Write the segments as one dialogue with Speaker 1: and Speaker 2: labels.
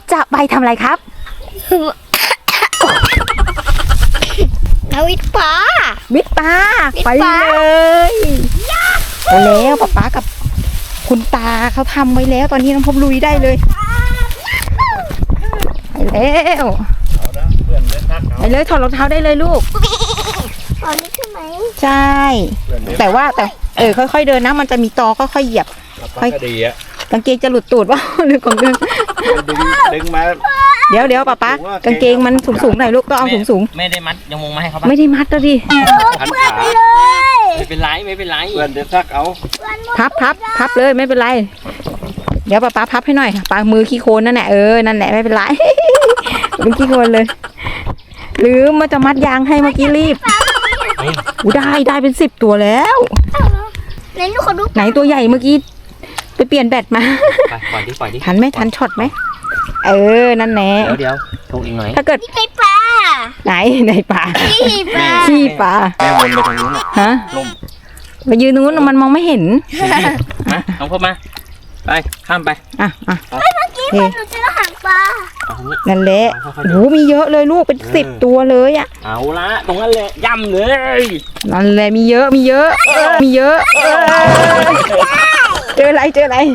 Speaker 1: จะไปทำอะไรครับ
Speaker 2: เอาวิทย์ปลา
Speaker 1: วิทย์ปลา
Speaker 2: วิทย์
Speaker 1: ไป
Speaker 2: ปลา
Speaker 1: เลยไปแล้วป๊ากับคุณตาเขาทำไว้แล้วตอนนี้น้องพบลุยได้เลยไปแล้วไปเลยถอดรองเท้าได้เลยลูก
Speaker 2: ตอนนี้ใช่ไหม
Speaker 1: ใช่แต่ค่อยๆเดินนะมันจะมีตอค่อยๆเหยียบ
Speaker 3: ค่อยดีอ่ะ
Speaker 1: กางเกงจะหลุดตูดว่าหรือของเดิน
Speaker 3: ดึงมา
Speaker 1: เดี๋ยวป๊ากางเกงมันสูงๆหน่อยลูกต้องเอาสูง
Speaker 4: ไม่ได้มัดยังมงมาให้เขา
Speaker 1: ๆ
Speaker 4: ปะ
Speaker 1: ไม่ได้มัดแล้วดิ
Speaker 3: พันขา
Speaker 4: ไม่เป็นไรไม่เป็นไร
Speaker 3: เพื่อนจะซักเอา
Speaker 1: พับเลยไม่เป็นไรเดี๋ยวป๊าพับให้หน่อยปามือขี้โคลนนั่นแหละนั่นแหละไม่เป็นไร เป็นขี้โคลนเลยหรือมันจะมัดยางให้เมื่อกี้รีบได้เป็น10 ตัวแล้ว
Speaker 2: ไหนลูกขอดู
Speaker 1: ไหนตัวใหญ่เมื่อกี้ไปเปลี่ยนแบตมา
Speaker 4: ไปปล่อยดิ
Speaker 1: ทันไหมทันช็อตไหมนั่นแหละ
Speaker 4: เดี๋ยวลงอีกหน่อย
Speaker 1: ถ้าเกิด
Speaker 2: นี่ไงปลา
Speaker 1: ไหนปลา
Speaker 2: นี่ปลา
Speaker 1: ขี้ปลา
Speaker 3: แม่วนไปทางนู้น
Speaker 1: ฮะไปยืนตรงนู้นมันมองไม่เห็น
Speaker 4: มาน้องพบมาไปข้ามไป
Speaker 1: อ่ะ
Speaker 2: เมื่อกี้มันหนูเจอหางปลา
Speaker 4: เอาตรงนี้
Speaker 1: นั่นแหละโอ้โหมีเยอะเลยลูกเป็น10 ตัวเลยอ่ะ
Speaker 4: เอาละตรงนั้นเลยย่ำเลย
Speaker 1: นั่นแหละมีเยอะมีเยอะเจออะไร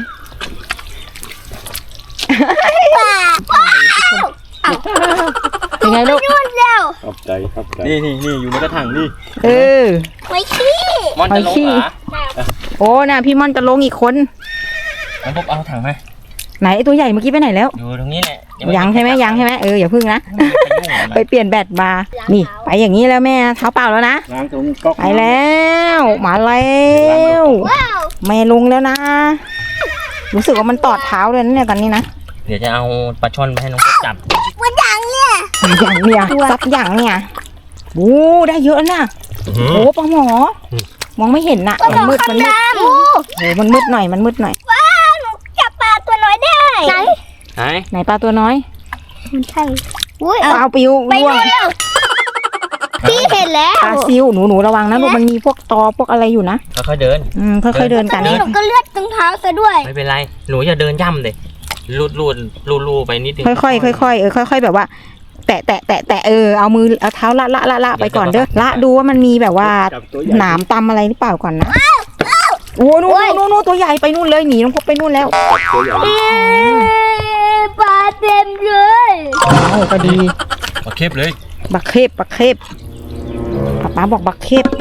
Speaker 1: เป็นไงลูก
Speaker 2: นู่นเร็ว
Speaker 3: ขอบใจ
Speaker 4: นี่อยู่ในกระถางนี่
Speaker 2: ไว้ขี้
Speaker 4: มอนจะลงเหรอ
Speaker 1: โอ้น่ะพี่ม่อนจะลงอีกคน
Speaker 4: น้องพบเอาถังมา
Speaker 1: ไหนตัวใหญ่เมื่อกี้ไปไหนแล้ว
Speaker 4: อยู่ตรงนี้แหละ
Speaker 1: ยังใช่ไหมอย่าพึ่งนะไปเปลี่ยนแบตมานี่ไปอย่างนี้แล้วแม่เท้าเปล่าแล้วนะ
Speaker 3: ล้างตรงก๊อก
Speaker 1: ไปแล้วมาแล้ว
Speaker 2: ว้าว
Speaker 1: แม่ลงแล้วนะรู้สึกว่ามันตอดเท้าเลยนะเนี่ยตอนนี้นะ
Speaker 4: เดี๋ยวจะเอาปลาช่อนไปให้น้องพบจับ
Speaker 2: วันยังเนี่ย
Speaker 1: อย่างเนี่ยซับอย่างเนี่ยโอ้ได้เยอะนะโอ้ปลาหมอมองไม่เห็นน่ะมันมืด
Speaker 2: โอ้
Speaker 1: โอ้มันมืดหน่อย
Speaker 2: ว้าวหนูจับปลาตัวน้อยได้ไหน
Speaker 1: ไหนปลาตัวน้อย
Speaker 2: มันใช่อุ้ย
Speaker 1: ปลาปิว
Speaker 2: ไป
Speaker 1: ร่วง
Speaker 2: เร็วพี่เห็นแล้ว
Speaker 1: ปลาซิวหนูระวังนะลูกมันมีพวกตอพวกอะไรอยู่นะ
Speaker 4: ค่อยๆเดิน
Speaker 1: ค่อยๆเดิน
Speaker 2: ตอ
Speaker 1: กัน น
Speaker 2: นี้หนูก็เลือดตรงเท้าซะด้วย
Speaker 4: ไม่เป็นไรหนูอย่าเดินย่ำเลยลูดไปนิดนึง
Speaker 1: ค่อยๆค่อยๆแบบว่า แตะเอามือเอาเท้าละไปก่อนเด้อละดูว่ามันมีแบบว่าหนามตำอะไรหรือเปล่าก่อนนะโอ้นู่นตัวใหญ่ไปนู่นเลยหนีน้องพบไปนู่นแล้ว
Speaker 3: ตัวใหญ่
Speaker 2: ปลาเต็มเลย
Speaker 1: โอ้ก็ดี
Speaker 4: มาเค็บเลย
Speaker 1: บักเคบป๊าบอกบักเคบ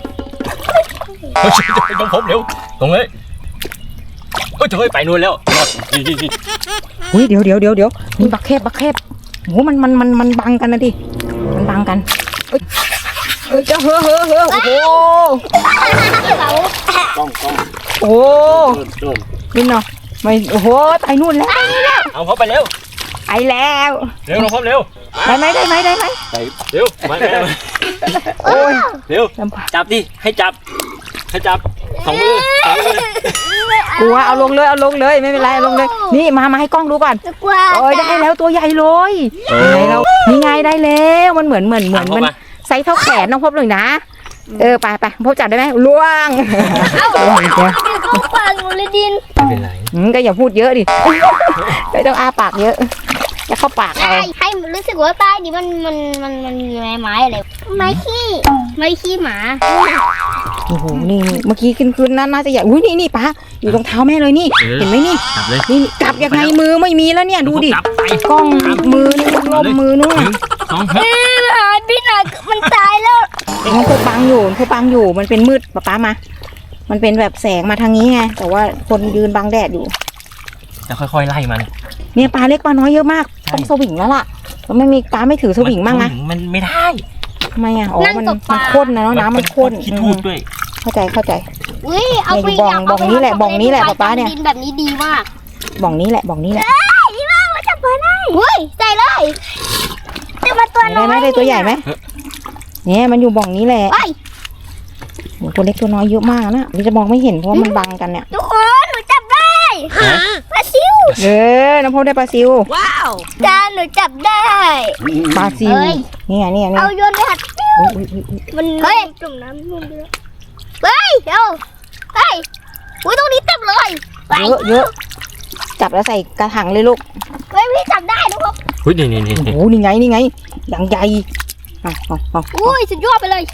Speaker 4: น้องพบเร็วตรงเลยจะไปนู่นแล้วนี่
Speaker 1: อุ้ยเดี๋ยวมีบักเคบโหมันบังกันนะดิมันบังกันเอ้ยจะเฮ้อโอ้โห
Speaker 3: กล้อง
Speaker 1: โอ้
Speaker 3: โดน
Speaker 1: นี่เนาะไม่โอ้โหไปนู่นแล้ว
Speaker 4: เอาพบไปเร็ว
Speaker 1: ไปแล้ว
Speaker 4: น้องพบเร็ว
Speaker 1: ได้ไหม
Speaker 4: เร็วมา
Speaker 1: โอ้ย
Speaker 4: เร็วจับดิให้จับสองมือก
Speaker 1: ลัวเอาลงเลยไม่เป็นไรเอาลงเลยนี่มาให้กล้องดูก่อน
Speaker 2: จะกลัว
Speaker 1: โอ้ยได้แล้วตัวใหญ่เลยนี่ไงได้แล้วมันเหมือนมันไซส์เท่าแขนน้องพบเลยนะไปพบจับได้ไหมล่วง
Speaker 2: ก็ปลาหนูเลยดิน
Speaker 4: ไม่เป็นไร
Speaker 1: ก็อย่าพูดเยอะดิไม่ต้องอ้าปากเยอะจะเข้าปากเอา
Speaker 2: ให้รู้สึกว่าใต้นี้มันมีไม้อะไรไม้ขี้หมา
Speaker 1: โอ้โหนี่เมื่อกี้ขึ้นน่าจะใหญ่อุ้ยนี่ป้าอยู่ตรงเท้าแม่เลยนี่เห็นไหมนี่
Speaker 4: จับเลย
Speaker 1: นี่จับยังไงมือไม่มีแล้วเนี่ยดูดิ
Speaker 4: จับไป
Speaker 1: กล้องมือนี่ล่มมือนู่น
Speaker 4: สอง
Speaker 2: หายพี่หนักมันตายแล้ว
Speaker 1: มันเธอบังอยู่มันเป็นมืดป้ามามันเป็นแบบแสงมาทางนี้ไงแต่ว่าคนยืนบังแดดอยู่
Speaker 4: จะค่อยๆไล่มัน
Speaker 1: เนี่ยปลาเล็กปลาน้อยเยอะมากต้องสวิงแล้วล่ะแล้วไม่มีปลาไม่ถือสวิงมั่งนะ
Speaker 4: มันไม่ได้
Speaker 1: ทำไมอ่ะอ๋อมันข้นนะเนาะน้ำมันข้น
Speaker 4: ขี้ทูดด้วย
Speaker 1: เข้าใจ
Speaker 2: อุ้ยเอาไป
Speaker 1: บ่องนี้แหละป๊าเนี่ย
Speaker 2: ดินแบบนี้ดีมาก
Speaker 1: บ่องนี้แหละ
Speaker 2: ดีมากมาจับปลาได้อุ้ยใส่เลยจะมาตัวน้
Speaker 1: ได้
Speaker 2: อย
Speaker 1: ไหมได้ตัวใหญ่ไหมเนี่ยมันอยู่บ่องนี้แหละ
Speaker 2: ไป
Speaker 1: โหตัวเล็กตัวน้อยเยอะมากนะนี่จะมองไม่เห็นเพราะว่ามันบังกันเนี่ย
Speaker 2: ทุกคนหนูจับได้ปลาซิว
Speaker 1: น้ำพุได้ปลาซิว
Speaker 2: จานหนูจับได้
Speaker 1: ปลาซิวเนี่ย
Speaker 2: เอาโยนไปหัดมันจุ่มน้ำนู่นเลยเฮ้ยเดี๋ยวเฮ้ยอุ้ยตรงนี้เต็มเลย
Speaker 1: เยอะจับแล้วใส่กระถางเลยลูก
Speaker 2: เฮ้ยพี่จับได้นะครับ
Speaker 4: เฮ้ยนี่
Speaker 1: โอ้นี่ไงอย่างใหญ่เอา
Speaker 2: อุ้ยสุดยอดไปเลย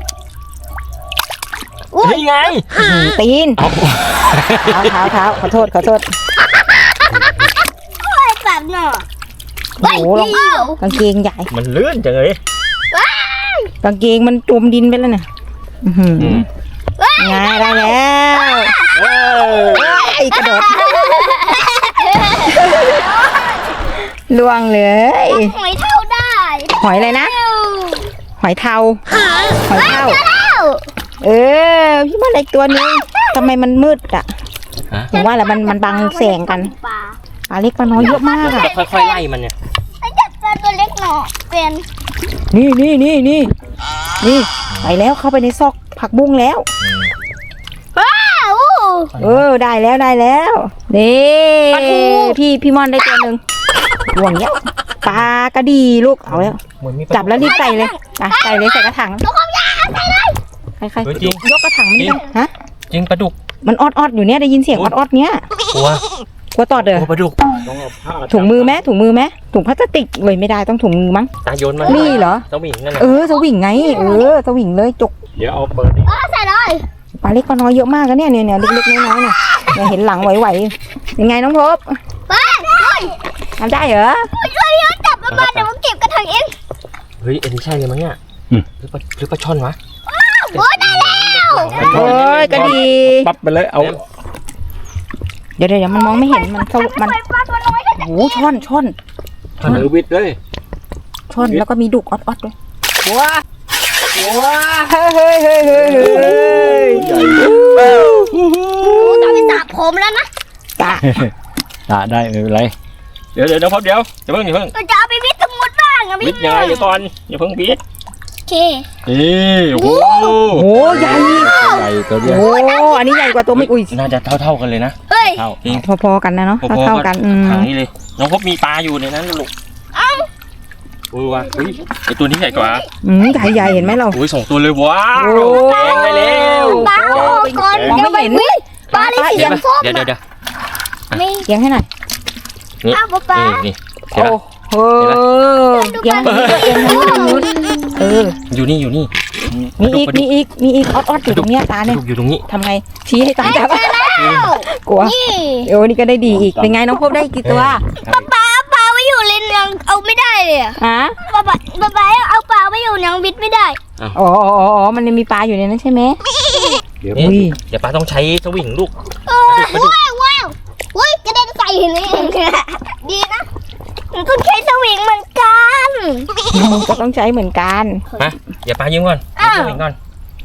Speaker 4: นี่ไง
Speaker 1: ตีน
Speaker 4: เอา
Speaker 1: เท้าขอโทษ
Speaker 2: โอ้ยแบบเนาะ
Speaker 1: โอ้โหลองกางเกงใหญ่
Speaker 4: มันเลื่อนจังเลย
Speaker 1: กางเกงมันจมดินไปแล้วเนี่ยไงได้แล้วกระโดดล่วงเลย
Speaker 2: หอยเท่าได้
Speaker 1: หอยอะไรนะหอยเทา เออพี่ว่าอะไรตัวนึงทำไมมันมืดอ่ะผมว่าแหละมันบังแสงกัน
Speaker 2: ปลา
Speaker 1: ปลาเล็กปลาน้อยเยอะมากอ่ะ
Speaker 4: ค่อยๆไล่มันเนี่ย
Speaker 2: ไอ้จับปลาตัวเล็กหน่อยเป็น
Speaker 1: นี่ไปแล้วเข้าไปในซอกผักบุ้งแล้ว
Speaker 2: ว้าว
Speaker 1: ได้แล้วนี่พี่ม่อนได้ตัวหนึ่งห่วงเนี้ยปลากระดีลูกเอาแล้วจับแล้วรีบใส่เลยใส่เลยใส่กระถาง
Speaker 2: ทุกคนอย่าใส่เลย
Speaker 1: ใครยกกระถางมันนี่ฮะ
Speaker 4: จริงปลาดุก
Speaker 1: มันออดอยู่เนี่ยได้ยินเสียงออดเนี้ย
Speaker 4: กลัว
Speaker 1: ตอดเด้อ
Speaker 4: ปลาดุก
Speaker 3: ต้องเอาผ้า
Speaker 1: ถุงมือไหมถุงพลาสติกเลยไม่ได้ต้องถุงมือมั้ง
Speaker 4: ตาโยนมา
Speaker 1: นี่เหรอ
Speaker 4: เจ้าหมิงนั่นแหละ
Speaker 1: สวิงไงสวิงเลยจก
Speaker 3: เดี๋ยวเอาเปิดดิ
Speaker 2: ใส่เลย
Speaker 1: ปลาเล็กปลาน้อยเยอะมากนะเนี่ยเล็กๆน้อยๆเนี่ยเห็นหลังไหวๆยังไงน้องพบ
Speaker 2: เฮ้ย
Speaker 1: ทำได้เหรอ
Speaker 2: ช่วยพี่จับมันมาเดี๋ยวผมเก็บกระถางเอง
Speaker 4: เฮ้ยอันนี้ใช่เลยมั้งเนี่ยหรือปลาช่อนวะ
Speaker 2: โอ้ยได้แล้ว
Speaker 1: โอ้ยกระดี
Speaker 3: ปั๊บไปเลยเอา
Speaker 1: เดี๋ยวมันมองไม่เห็นมันมัน
Speaker 2: ปลาตัวน้อย
Speaker 1: โอ้ช่อน
Speaker 3: ถือวิดเลย
Speaker 1: แล้วก็มีดุกออดด้วยว้าเฮ้ย
Speaker 3: ใหญ่
Speaker 2: ต้องไปสระผมแล้วนะ
Speaker 1: ตา
Speaker 3: ได้ไม่เป็นไร
Speaker 4: เดี๋ยวพบเดี๋ยวอย่าเพิ่ง
Speaker 2: เราจะเอาไปวิทย์สมุดบ้างอะ
Speaker 4: บิดยังไงเดี๋ยวก่อนอย่าเพิ่งบิด
Speaker 2: โอเค
Speaker 4: นี่โอ้
Speaker 1: โอ้ใหญ่
Speaker 3: ใหญ่ตัวเดียว
Speaker 1: โอ้อันนี้ใหญ่กว่าตัวไม่อุ้ย
Speaker 4: น่าจะเท่ากันเลยนะ
Speaker 2: เฮ้ย
Speaker 4: เท่าจริง
Speaker 1: พอๆกันนะเนาะเท่ากัน
Speaker 4: ถังนี้เลยน้องพบมีปลาอยู่ในนั้นลูกว่ะเฮ้ยไอตัวนี้ใหญ่กว่า
Speaker 1: ใหญ่เห็นไหมเรา
Speaker 4: โอ้ย2 ตัวเลยว้าว
Speaker 1: โอ้
Speaker 4: แดงได้แล้ว
Speaker 2: ปลาก่อน
Speaker 1: มองไม่เห็น
Speaker 2: ปลาเลยเสียงส้ม
Speaker 4: เดี๋ยว
Speaker 2: นี่
Speaker 1: เอียงให้หน่อย
Speaker 4: นี่
Speaker 2: อ้าวปลา
Speaker 4: นี่เห็น
Speaker 1: โอ้
Speaker 4: ปะ
Speaker 1: โหเอียง
Speaker 4: อยู่นี่
Speaker 1: มีอีกออดอยู่ตรงเนี้ยตาเนี่ย
Speaker 4: อยู่ตรงนี้
Speaker 1: ทำไงชี้ให้ตาจับกลัว
Speaker 2: นี่
Speaker 1: นี่ก็ได้ดีอีกเป็นไงน้องพบได้กี่ตัว
Speaker 2: ปลาไว้อยู่เลนยังเอาไม่ได้เลยอะ
Speaker 1: ฮะ
Speaker 2: ปลาเอาปลาไว้อยู่ยังวิทย์ไม่ได้
Speaker 1: อ๋อมันยังมีปลาอยู่ในนั้นใช่ไหม
Speaker 3: เดี๋ยว
Speaker 1: อุ้ย
Speaker 4: เดี๋ยวปลาต้องใช้สวิงลูก
Speaker 2: ว้าวอุ้ยกระเด็นใส่เลยดีนะมันต้องใช้สวิงเหมือนกัน
Speaker 1: ก็ต้องใช้เหมือนกัน
Speaker 4: มาเดี๋ยวปลายืมก่อนสวิงก่อน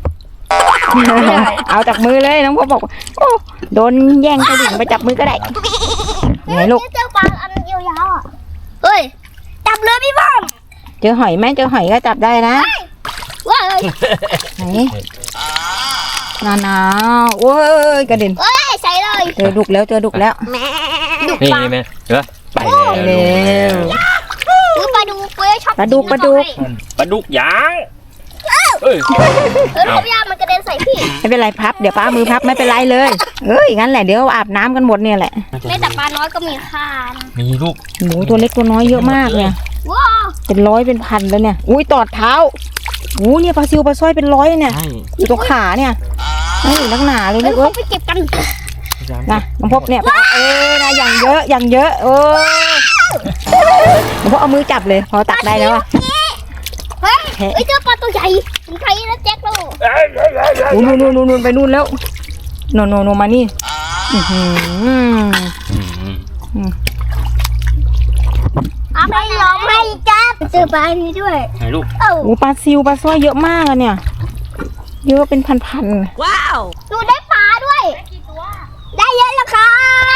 Speaker 1: เอาจากมือเลยน้องพบบอกโอ้โดนแย่งกระดิ่งไปจับมือก็ได้ไงลูก
Speaker 2: เจอปลาอันยาวๆอ่ะเฮ้ยจับเลยพี่บ้อม
Speaker 1: เจอหอยไหมเจอหอยก็จับได้นะ
Speaker 2: ว้าว
Speaker 1: ไหนหนาวโอ้ยกระเด็น
Speaker 2: เฮ้ยใส่เลย
Speaker 1: เจอดุกแล้ว
Speaker 2: ดุ
Speaker 4: นี่
Speaker 2: ปลา
Speaker 4: แม่เห็นปะไป
Speaker 1: เร็ว
Speaker 2: ปลาดูเฟ้ยชอบ
Speaker 1: ปลาดุก
Speaker 4: ปลาดุกยางเอ้ย
Speaker 2: พี่ยามันกระเด็นใส่พี่
Speaker 1: ไม่เป็นไรพับเดี๋ยวป้ามือพับไม่เป็นไรเลยงั้นแหละเดี๋ยวอาบน้ำกันหมดเนี่ยแหละ
Speaker 2: แม้แต่ปลาน้อยก็มีค่านะ
Speaker 4: มีลูก
Speaker 1: หมูตัวเล็กตัวน้อยเยอะมากเนี่ย
Speaker 2: ว้าว
Speaker 1: เป็นร้อยเป็นพันแล้วเนี่ยอุ้ยตอดเท้าเนี่ยปลาซิวปลาสร้อยเป็นร้อยเนี่ย
Speaker 4: ใช่
Speaker 1: อยู่ตรงขาเนี่ยนี่นักหนาเลย
Speaker 2: เฮ้
Speaker 1: ลู
Speaker 2: ย
Speaker 1: กเอ้ย
Speaker 2: ไปเก็บกัน
Speaker 1: นะน้องพบเนี่ยนะอย่างเยอะน้องพบเอามือจับเลยพอตักได้แล้วอ่ะ
Speaker 2: เฮ้ยเจอปลาตัวใหญ่ถึงใครนะแจ็คลูก
Speaker 1: นู่นไปนู่นแล้วโนมานี่
Speaker 2: ไม่ยอมให้จับเจอปลานี้ด้วย
Speaker 4: ไหนลูก
Speaker 1: ปลาซิวปลาสร้อยเยอะมากอะเนี่ยเยอะเป็นพัน
Speaker 2: ดูได้ปลาด้วยได้เยอะแล้วค่ะ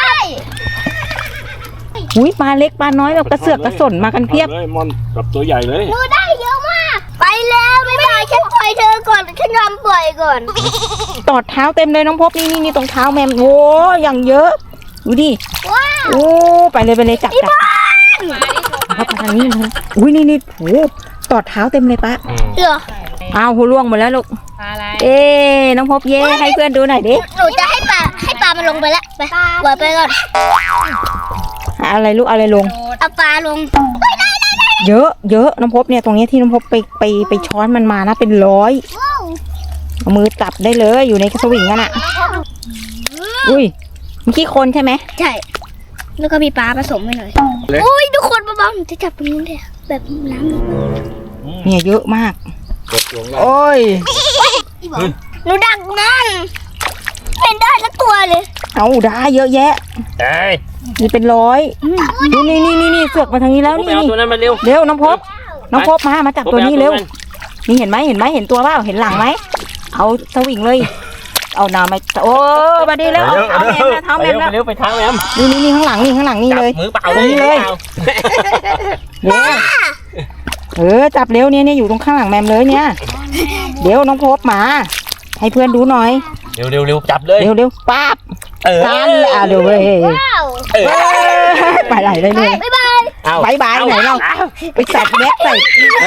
Speaker 1: อุ้ยปลาเล็กปลาน้อยแบบกระเสือกกระสนมากันเพียบ
Speaker 3: เลยมอนกับตัวใหญ่เลย
Speaker 2: ดูได้เยอะมากไปแล้วไม่ได้ฉันปล่อยเธอก่อนฉันยอมปล่อยก่อน
Speaker 1: ตอดเท้าเต็มเลยน้องพบนี่ตรงเท้าแมมโอ้อย่างเยอะดูดิ
Speaker 2: ว้าว
Speaker 1: โอ้ไปเลยจับเข้าไปทางนี้นะอุ้ยนี่โอ้ตอดเท้าเต็มเลยปะ
Speaker 2: เหรอ
Speaker 1: อ้าวหัวล่วงหมดแล้วลูกน้องพบเย่ให้เพื่อนดูหน่อยดิ
Speaker 2: หนูจะให้ปลามันลงไปแล้วไปปล่อยไปก่อน
Speaker 1: อะไรลูกเอาอะไรลง
Speaker 2: เอาปลาลง
Speaker 1: เยอะน้องพบเนี่ยตรงนี้ที่น้องพบไปช้อนมันมานะเป็นร้อย
Speaker 2: ว้าว
Speaker 1: เอามือจับได้เลยอยู่ในสวิงนั่นน่ะอุ้ยมันขี้โคลนใช่ไหม
Speaker 2: ใช่แล้วก็มีปลาผสมไปหน่อยอุ้ยทุกคนเบาๆหนูจะจับตรงนู้นเลยแบบน้ำ
Speaker 1: เนี่ยเยอะมาก
Speaker 3: กดลงแล้ว
Speaker 1: โอ้ย
Speaker 2: หนูดักมันเป็นได้ละตัวเลย
Speaker 1: เอาได้เยอะแยะ
Speaker 4: เอ้ย
Speaker 1: มีเป็นร้อยดูนี่เสือกมาทางนี้แล้ว
Speaker 4: พบไป
Speaker 1: นี่
Speaker 4: เอาตัวนั้นมาเร็ว
Speaker 1: เร็วน้องพบมาจับตัวนี้เร็วนี่เห็นไหมเห็นตัวเปล่าเห็นหลังไหมเอาสวิงเลยเอาหนามาโอ้มาดีแล้วเอาแมมนะเท้าแมมแล้ว
Speaker 4: เร็วไปทางแมม
Speaker 1: นี่ข้างหลังนี่เลย
Speaker 4: มือเปล่า
Speaker 1: ตรงนี้เลย เร็วจับเร็วเนี่ยอยู่ตรงข้างหลังแมมเลยเนี่ยเดี๋ยวน้องพบมาให้เพื่อนดูหน่อย
Speaker 4: เร็วจับเลย
Speaker 1: เร็วป๊าบ ทันอ่ะเดี๋ยวเว้ย
Speaker 2: ว้าว
Speaker 1: ไปไหนได้เลย
Speaker 2: บ๊ายบาย
Speaker 1: บายไหนเราไปใส่แม็กใส่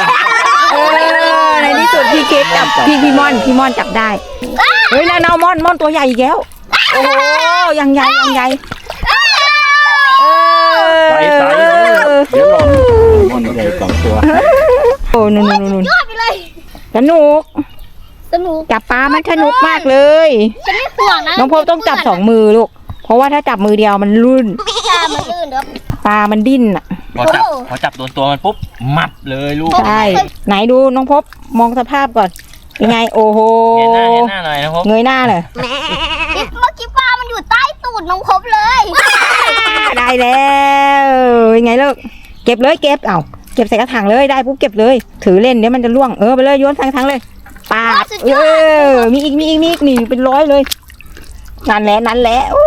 Speaker 1: ในที่สุดพี่เค้กจับพี่ม่อนจับได้เฮ้ยแล้วม่อนตัวใหญ่อีกแล้วโอ้โหยังใหญ่
Speaker 3: ใส่เดี๋ยวลองมันใหญ่สองตัว
Speaker 1: โอ้นู่น
Speaker 2: ยอดไปเลย
Speaker 1: สนุก
Speaker 2: สนุก
Speaker 1: จับปลามันสนุกมากเลย
Speaker 2: ฉันไม่ห่วงนะ
Speaker 1: น้องพบต้องจับ2 มือลูกเพราะว่าถ้าจับมือเดียวมันรุ่น
Speaker 2: ปลามันลื่นเด้อ
Speaker 1: ปลามันดิ้นอ่ะ
Speaker 4: พอจับโดนตัวมันปุ๊บมัดเลยลูก
Speaker 1: ใช่ไหนดูน้องพบมองสภาพก่อนเป็นไงโอ้โห
Speaker 4: เงยหน้าหน่อยนะพบ
Speaker 1: เงยหน้าเลย
Speaker 2: เมื่อกี้ปลามันอยู่ใต้ตูดน้องพบเลย
Speaker 1: ได้แล้วยังไงลูกเก็บเลยเก็บใส่กระถางเลยได้ปุ๊บเก็บเลย ถือเล่นเดี๋ยวมันจะล่วงไปเลยโยนทั้งเลยปาดมีอีกนี่เป็นร้อยเลยนั่นแหละโอ้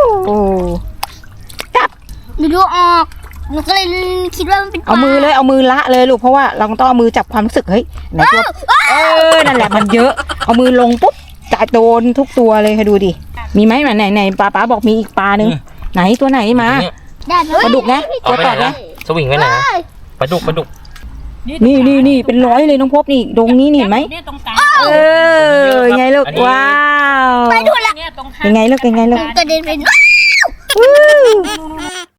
Speaker 2: หนูดูออกหนูก็เลยคิดว่ามันเป็นปลา
Speaker 1: เอามือละเลยลูกเพราะว่าเราต้องเอามือจับความรู้สึกเฮ้ยไหนตัวนั่นแหละมันเยอะเอามือลงปุ๊บจะโดนทุกตัวเลยค่ะดูดิมีไหมไหนป้าบอกมีอีกปลาหนึ่งไหนตัวไหนมา
Speaker 2: ได้ไหม
Speaker 1: ปลาดุกนะ
Speaker 4: เอา
Speaker 1: ตัว
Speaker 4: ไป
Speaker 1: ต่อ
Speaker 4: ไหน
Speaker 1: นะ
Speaker 4: สวิงไปไหนปลาดุก
Speaker 1: นี่เป็นร้อยเลยน้องพบนี่ตรงนี้นี่เห็นไหม
Speaker 5: เนี่ยตรงกลาง
Speaker 1: ยังไงลูกว้าว
Speaker 2: ไปดูละ
Speaker 5: เนี่ยตรง
Speaker 1: ยังไงลูก
Speaker 2: กระเด็นไป